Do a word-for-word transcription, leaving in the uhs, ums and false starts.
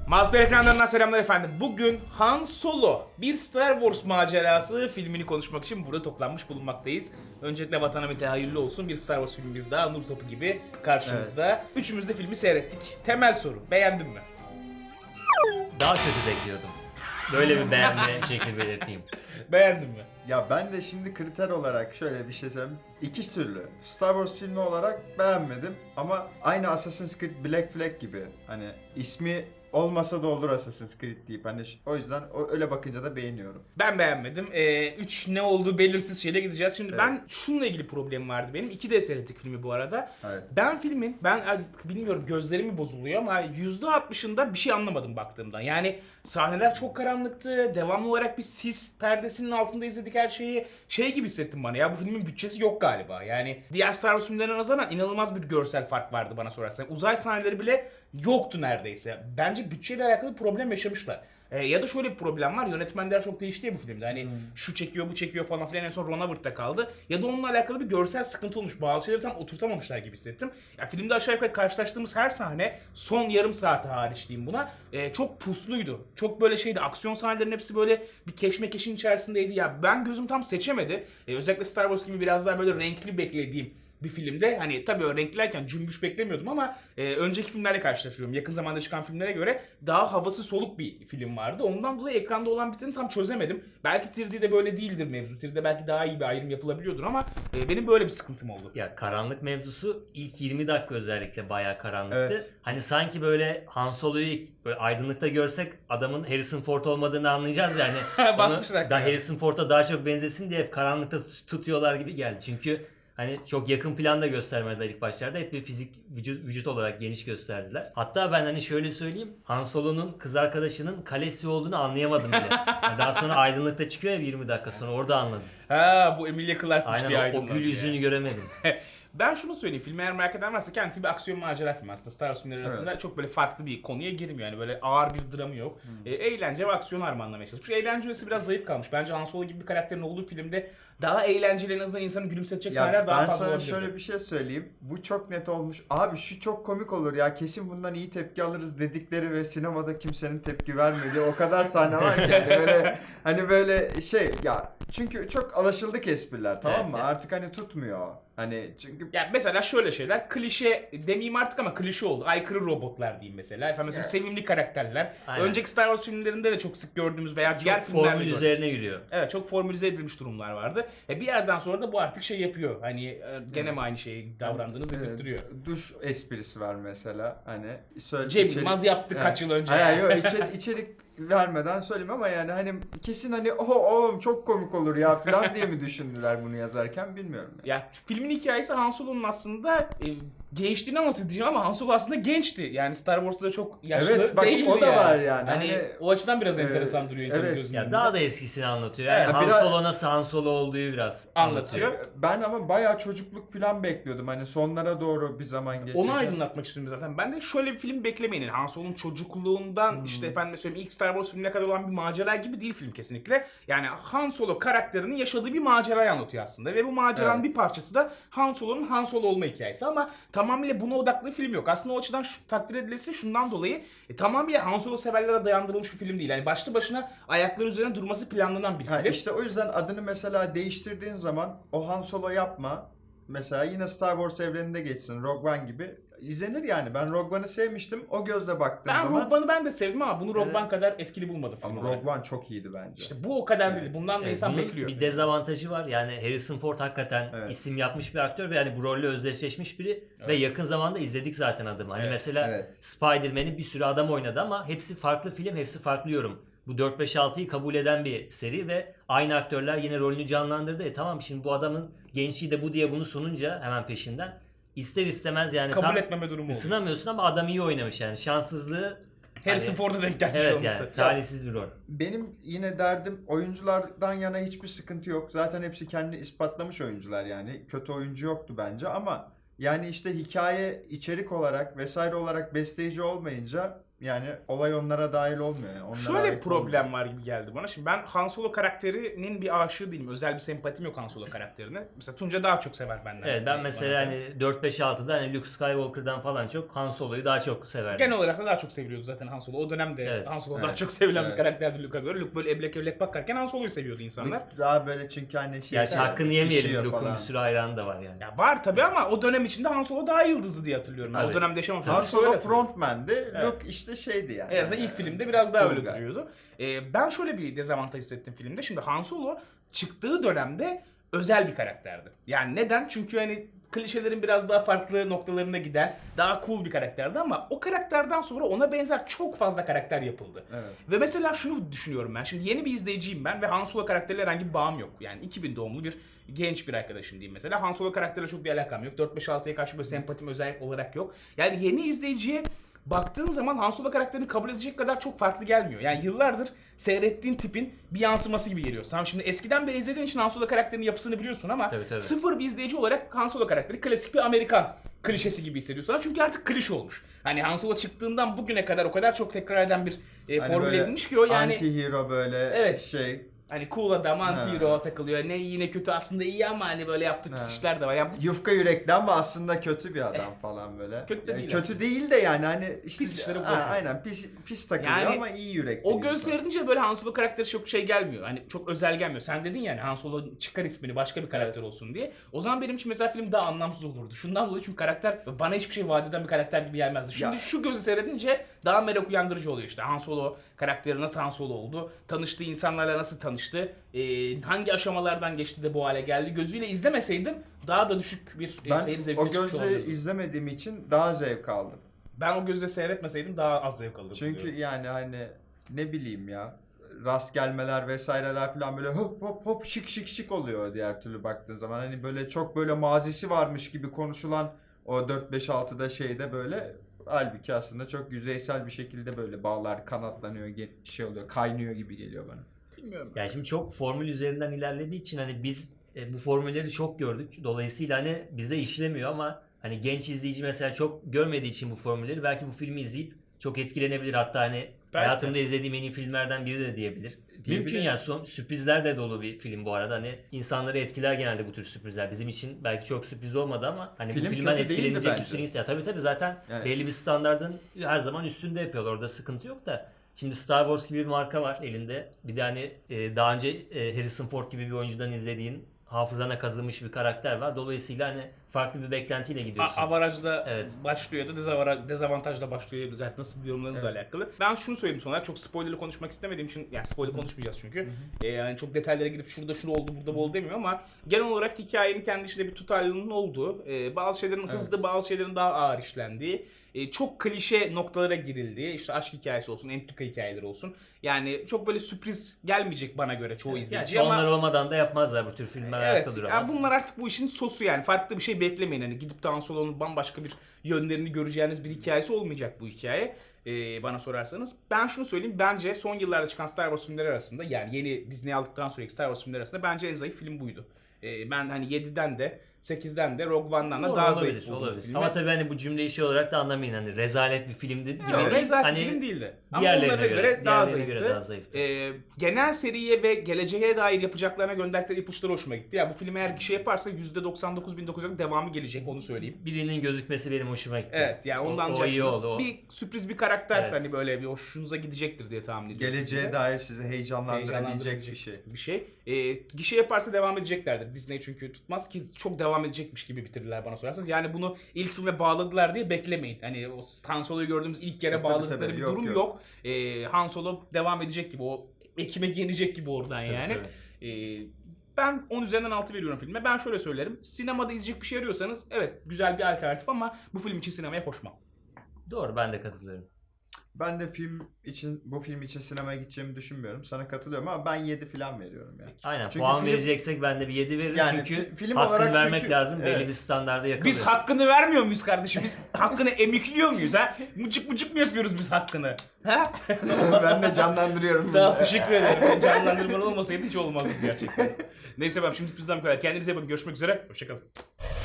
Mazber ekranlarından selamlar efendim. Bugün Han Solo, bir Star Wars macerası filmini konuşmak için burada toplanmış bulunmaktayız. Öncelikle vatana bir hayırlı olsun. Bir Star Wars filmimiz daha Nur Topu gibi karşımızda. Evet. Üçümüz de filmi seyrettik. Temel soru, beğendin mi? Daha kötü bekliyordum. Böyle bir beğenme şekli belirteyim. Beğendin mi? Ya ben de şimdi kriter olarak şöyle bir şey söyleyeyim. İki türlü. Star Wars filmi olarak beğenmedim ama aynı Assassin's Creed Black Flag gibi. Hani ismi olmasa da olur Assassin's Creed deyip hani o yüzden öyle bakınca da beğeniyorum. Ben beğenmedim. Ee, üç ne olduğu belirsiz şeyle gideceğiz. Şimdi Evet. ben şununla ilgili problemim vardı benim. iki D seyrettik filmi bu arada. Evet. Ben filmin, ben artık bilmiyorum gözlerimi bozuluyor ama yüzde altmışında bir şey anlamadım baktığımdan. Yani sahneler çok karanlıktı. Devamlı olarak bir sis perdesinin altında izledik her şeyi. Şey gibi hissettim bana ya, bu filmin bütçesi yok galiba. Yani diğer Star Wars filmlerine nazaran inanılmaz bir görsel fark vardı bana sorarsan. Uzay sahneleri bile yoktu neredeyse. Bence bütçeyle alakalı bir problem yaşamışlar. Ee, ya da şöyle bir problem var. Yönetmenler çok değişti ya bu filmde. Hani hmm. şu çekiyor, bu çekiyor falan filan, en son Ron Howard'da kaldı. Ya da onunla alakalı bir görsel sıkıntı olmuş. Bazı şeyleri tam oturtamamışlar gibi hissettim. Ya filmde aşağı yukarı karşılaştığımız her sahne, son yarım saati hariç diyeyim buna, e, çok pusluydu. Çok böyle şeydi. Aksiyon sahnelerin hepsi böyle bir keşmekeşin içerisindeydi. Ya ben gözüm tam seçemedi. E, özellikle Star Wars gibi biraz daha böyle renkli beklediğim bir filmde, hani tabii o renklilerken cümbüş beklemiyordum ama e, önceki filmlerle karşılaşıyorum. Yakın zamanda çıkan filmlere göre daha havası soluk bir film vardı. Ondan dolayı ekranda olan biteni tam çözemedim. Belki üç D'de böyle değildir mevzu. üç D'de belki daha iyi bir ayrım yapılabiliyordur ama e, benim böyle bir sıkıntım oldu. Ya karanlık mevzusu ilk yirmi dakika özellikle bayağı karanlıktı. Evet. Hani sanki böyle Han Solo'yu ilk böyle aydınlıkta görsek adamın Harrison Ford olmadığını anlayacağız yani. Basmışlar. Da Harrison Ford'a daha çok benzesin diye hep karanlıkta tutuyorlar gibi geldi. Çünkü hani çok yakın planda göstermediler ilk başlarda. Hep bir fizik vücut, vücut olarak geniş gösterdiler. Hatta ben hani şöyle söyleyeyim. Han Solo'nun kız arkadaşının kalesi olduğunu anlayamadım bile. Yani daha sonra aydınlıkta çıkıyor ya yirmi dakika sonra, orada anladım. Ha, bu Emilia Clarke'mış diye Aynen, o, o aydınlandı gül yüzünü yani. göremedim. Ben şunu söyleyeyim, filmi eğer merak eden varsa kendisi bir aksiyon macera filmi aslında. Star Wars filmleri arasında evet. Çok böyle farklı bir konuya girmiyor yani, böyle ağır bir dramı yok. Hmm. E, eğlence ve aksiyon harmanlamaya çalışmış. Eğlence öğesi biraz zayıf kalmış. Bence Han Solo gibi bir karakterin olduğu filmde daha eğlenceli, en azından insanı gülümsetecek sahneler daha fazla olabilir. Ben sana şöyle bir şey söyleyeyim. Bu çok net olmuş. Abi şu çok komik olur ya, kesin bundan iyi tepki alırız dedikleri ve sinemada kimsenin tepki vermediği o kadar sahne var ki. Yani böyle hani böyle şey ya, çünkü çok alışıldık espriler, tamam evet, mı? evet. Artık hani tutmuyor. Hani çünkü ya mesela şöyle şeyler, klişe demeyeyim artık ama klişe oldu. Aykırı robotlar diyeyim mesela. Efendim mesela evet. sevimli karakterler. Aynen. Önceki Star Wars filmlerinde de çok sık gördüğümüz veya Çok diğer filmlerde formül gördüğümüz. üzerine yürüyor. Evet, çok formülize edilmiş durumlar vardı. E bir yerden sonra da bu artık şey yapıyor. Hani e, gene mi aynı şeyi davrandığınız evet. dedirtiyor. Duş esprisi var mesela. Hani söyle, Cem içerik... Yılmaz yaptı evet. kaç yıl önce. Hayır yok, içerik, içerik vermeden söyleyeyim ama yani hani kesin hani o oğlum çok komik olur ya falan diye mi düşündüler bunu yazarken, bilmiyorum. Yani. Ya filmin hikayesi Han Solo'nun aslında e, gençliğini anlatıyor diyeceğim ama Han Solo aslında gençti. Yani Star Wars'ta da çok yaşlı evet, bak, değildi o da yani. var yani. Hani, hani o açıdan biraz enteresan e, duruyor insanın evet. gözünün. Ya daha da eskisini anlatıyor. Yani evet, Han biraz... Solo nasıl Han Solo olduğu biraz anlatıyor. anlatıyor. Ben ama bayağı çocukluk falan bekliyordum. Hani sonlara doğru bir zaman geçecek. Onu aydınlatmak istiyorum zaten. Ben de şöyle bir film beklemeyin. Yani Han Solo'nun çocukluğundan hmm. işte efendim söyleyeyim ilk Star Wars filmine kadar olan bir macera gibi değil film kesinlikle. Yani Han Solo karakterinin yaşadığı bir macerayı anlatıyor aslında. Ve bu maceranın evet. bir parçası da Han Solo'nun Han Solo olma hikayesi. Ama tamamıyla buna odaklı film yok. Aslında o açıdan şu, takdir edilesi şundan dolayı e, tamamıyla Han Solo severlere dayandırılmış bir film değil. Yani başlı başına ayakları üzerine durması planlanan bir ha, film. İşte o yüzden adını mesela değiştirdiğin zaman o Han Solo yapma. Mesela yine Star Wars evreninde geçsin. Rogue One gibi. İzlenir yani. Ben Rogue One'ı sevmiştim. O gözle baktığım ben zaman... Ben Rogue One'ı ben de sevdim ama bunu Rogue evet. One kadar etkili bulmadım. Ama Rogue One çok iyiydi bence. İşte bu o kadar evet. değil. Bundan da evet, insan bekliyor. Bir dezavantajı var. Yani Harrison Ford hakikaten evet. isim yapmış bir aktör ve yani bu rolle özdeşleşmiş biri. Evet. Ve yakın zamanda izledik zaten adamı. Hani evet. mesela evet. Spider-Man'in bir sürü adam oynadı ama hepsi farklı film, hepsi farklı yorum. Bu dört beş altıyı kabul eden bir seri ve aynı aktörler yine rolünü canlandırdı. E tamam, şimdi bu adamın gençliği de bu diye bunu sununca hemen peşinden ister istemez yani kabul tam etmeme durumu ısınamıyorsun ama adam iyi oynamış yani. Şanssızlığı Harrison hani, Ford'a denk gelmiş evet olması. Yani talihsiz bir rol. Benim yine derdim oyunculardan yana hiçbir sıkıntı yok. Zaten hepsi kendini ispatlamış oyuncular yani. Kötü oyuncu yoktu bence ama yani işte hikaye, içerik olarak vesaire olarak besleyici olmayınca yani olay onlara dahil olmuyor. Yani. Onlara Şöyle bir ait problem olmuyor. var gibi geldi bana. Şimdi ben Han Solo karakterinin bir aşığı değilim. Özel bir sempatim yok Han Solo karakterine. Mesela Tunca daha çok sever benden. Evet ben Bana mesela sen. hani dört beş altıda hani Luke Skywalker'dan falan çok Han Solo'yu daha çok severdim. Genel olarak da daha çok seviliyordu zaten Han Solo. O dönemde Evet. Han Solo Evet. daha çok sevilen Evet. bir karakterdi Luke'a göre. Luke böyle eblek eblek bakarken Han Solo'yu seviyordu insanlar. Luke daha böyle çünkü hani şey... Gerçi hakkını yemeyelim, pişiyor Luke'un falan. bir sürü hayranı da var yani. Ya var tabii ama o dönem içinde Han Solo daha yıldızlı diye hatırlıyorum. Ben Tabii. o dönemde yaşamamış. Han olduğum için öyle Solo hatırlıyorum. frontman'di. Evet. Luke işte şeydi yani. En azından ilk filmde biraz daha öyle Cool guy. duruyordu. Ee, ben şöyle bir dezavantaj hissettim filmde. Şimdi Han Solo çıktığı dönemde özel bir karakterdi. Yani neden? Çünkü hani klişelerin biraz daha farklı noktalarına giden daha cool bir karakterdi ama o karakterden sonra ona benzer çok fazla karakter yapıldı. Evet. Ve mesela şunu düşünüyorum ben. Şimdi yeni bir izleyiciyim ben ve Han Solo karakteriyle herhangi bir bağım yok. Yani iki bin doğumlu bir genç bir arkadaşım diyeyim mesela. Han Solo karakteriyle çok bir alakam yok. dört beş altıya karşı böyle sempatim özel olarak yok. Yani yeni izleyiciye baktığın zaman Han Solo karakterini kabul edecek kadar çok farklı gelmiyor. Yani yıllardır seyrettiğin tipin bir yansıması gibi geliyor. Sen şimdi eskiden beri izlediğin için Han Solo karakterinin yapısını biliyorsun ama Tabii, tabii. sıfır bir izleyici olarak Han Solo karakteri klasik bir Amerikan klişesi gibi hissediyorsun. Çünkü artık klişe olmuş. Hani Han Solo çıktığından bugüne kadar o kadar çok tekrar eden bir e, Hani formül böyle edilmiş ki o yani anti-hero böyle Evet. şey. hani cool adam anti hero Ha. takılıyor. Ne iyi ne kötü aslında iyi ama hani böyle yaptığı pis Ha. işler de var. Yani Yufka yürekli ama aslında kötü bir adam falan böyle. Kötü de Yani değil kötü aslında. değil de yani hani işte Pis işleri Ha, bırakıyor. aynen pis pis takılıyor Yani ama iyi yürekli. o bir göz insan. seyredince böyle Han Solo karakteri çok şey gelmiyor. Hani çok özel gelmiyor. Sen dedin yani Han Solo çıkar ismini başka bir karakter olsun diye. O zaman benim için mesela film daha anlamsız olurdu. Şundan dolayı çünkü karakter bana hiçbir şey vaat eden bir karakter gibi gelmezdi. Şimdi Ya. şu gözü seyredince daha merak uyandırıcı oluyor işte. Han Solo karakteri nasıl Han Solo oldu? Tanıştığı insanlarla nasıl tanıştı? Ee, hangi aşamalardan geçti de bu hale geldi? Gözüyle izlemeseydim daha da düşük bir e, Ben seyir zevkine o çıkmış gözle olabilirdim. izlemediğim için daha zevk aldım. Ben o gözle seyretmeseydim daha az zevk alırdım. Çünkü diyorum. yani hani ne bileyim ya rast gelmeler vesaireler falan böyle hop hop hop şık şık şık oluyor diğer türlü baktığın zaman. Hani böyle çok böyle mazisi varmış gibi konuşulan o dört beş altıda şeyde böyle halbuki aslında çok yüzeysel bir şekilde böyle bağlar kanatlanıyor, ge- şey oluyor, kaynıyor gibi geliyor bana. Bilmiyorum. Yani şimdi çok formül üzerinden ilerlediği için hani biz e, bu formülleri çok gördük. Dolayısıyla hani bize işlemiyor ama hani genç izleyici mesela çok görmediği için bu formülleri belki bu filmi izleyip çok etkilenebilir. Hatta hani hayatımda izlediğim en iyi filmlerden biri de diyebilir. Mümkün yani son, sürprizler de dolu bir film bu arada. Hani insanları etkiler genelde bu tür sürprizler. Bizim için belki çok sürpriz olmadı ama hani Film bu filmden kötü değildi etkilenecek bence. bir sürü insan. Tabii tabii zaten Yani- belli bir standardın her zaman üstünde yapıyorlar. Orada sıkıntı yok da. Şimdi Star Wars gibi bir marka var elinde. Bir de hani e, daha önce e, Harrison Ford gibi bir oyuncudan izlediğin hafızana kazınmış bir karakter var. Dolayısıyla hani farklı bir beklentiyle gidiyorsun. A- avarajla Evet. başlıyor ya da dezavara- dezavantajla başlıyor. Zaten nasıl bir yorumlarınızla Evet. alakalı. Ben şunu söyleyeyim sonra çok spoilerlı konuşmak istemediğim için yani spoiler konuşmayacağız çünkü. Ee, yani çok detaylara girip şurada şunu oldu burada bu oldu demiyor ama genel olarak hikayenin kendi içinde bir tutarlılığının olduğu, e, bazı şeylerin Evet. hızlı bazı şeylerin daha ağır işlendiği, e, çok klişe noktalara girildiği, işte aşk hikayesi olsun, entrika hikayeleri olsun. Yani çok böyle sürpriz gelmeyecek bana göre çoğu Yani izleyiciye ama onlar olmadan da yapmazlar bu tür filmler ayakta evet, duramaz. yani bunlar artık bu işin sosu yani. Farklı bir şey beklemeyin. Hani gidip de Han Solo'nun bambaşka bir yönlerini göreceğiniz bir hikayesi olmayacak bu hikaye. Ee, bana sorarsanız. Ben şunu söyleyeyim. Bence son yıllarda çıkan Star Wars filmleri arasında yani yeni Disney aldıktan sonraki Star Wars filmleri arasında bence en zayıf film buydu. Ee, ben hani yediden de sekizden de Rogue One'dan da Doğru, daha olabilir, zayıf buldum olabilir. filmi. Ama tabii hani bu cümleyi şey olarak da anlamayın hani rezalet bir filmdi gibi Yok, değil. rezalet Hani film değildi. Ama diğerlerine onlara göre, göre daha diğerlerine zayıftı. göre daha zayıftı. Ee, genel seriye ve geleceğe dair yapacaklarına gönderdikleri ipuçları hoşuma gitti. Ya bu film eğer gişe yaparsa yüzde doksan dokuz bin dokuz yüz devamı gelecek onu söyleyeyim. Birinin gözükmesi benim hoşuma gitti. Evet yani O- ondan o, iyi anlayacaksınız. oldu. O. Bir sürpriz bir karakter Evet. hani böyle bir hoşunuza gidecektir diye tahmin ediyorum. Geleceğe dair sizi heyecanlandırabilecek bir şey. bir şey. Ee, gişe yaparsa devam edeceklerdir. Disney çünkü tutmaz ki çok devam edecekmiş gibi bitirdiler bana sorarsanız. Yani bunu ilk filme bağladılar diye beklemeyin. Hani o Han Solo'yu gördüğümüz ilk yere E, tabii, bağladıkları tabii. bir Yok, durum yok. yok. Ee, Han Solo devam edecek gibi o ekmek yenecek gibi oradan Tabii, yani. tabii. Ee, ben on üzerinden altı veriyorum filme. Ben şöyle söylerim. Sinemada izleyecek bir şey arıyorsanız evet güzel bir alternatif ama bu film için sinemaya koşmam. Doğru ben de katılıyorum. Ben de film için bu film için sinemaya gideceğimi düşünmüyorum. Sana katılıyorum ama ben yedi falan veriyorum yani. Aynen Çünkü puan film- vereceksek ben de bir yedi veririm Yani çünkü fi- film hakkını olarak vermek çünkü- lazım belli evet. bir standarda yakalıyor. Biz hakkını vermiyor muyuz kardeşim? Biz hakkını emikliyor muyuz ha? Mucuk mucuk mu yapıyoruz biz hakkını? Ha? Ben de canlandırıyorum. Sağ ol, bunu. teşekkür ederim. Senin canlandırman olmasaydı hiç olmazdı gerçekten. Neyse ben şimdi bizden bu kadar. Kendinize iyi bakın. Görüşmek üzere. Hoşçakalın.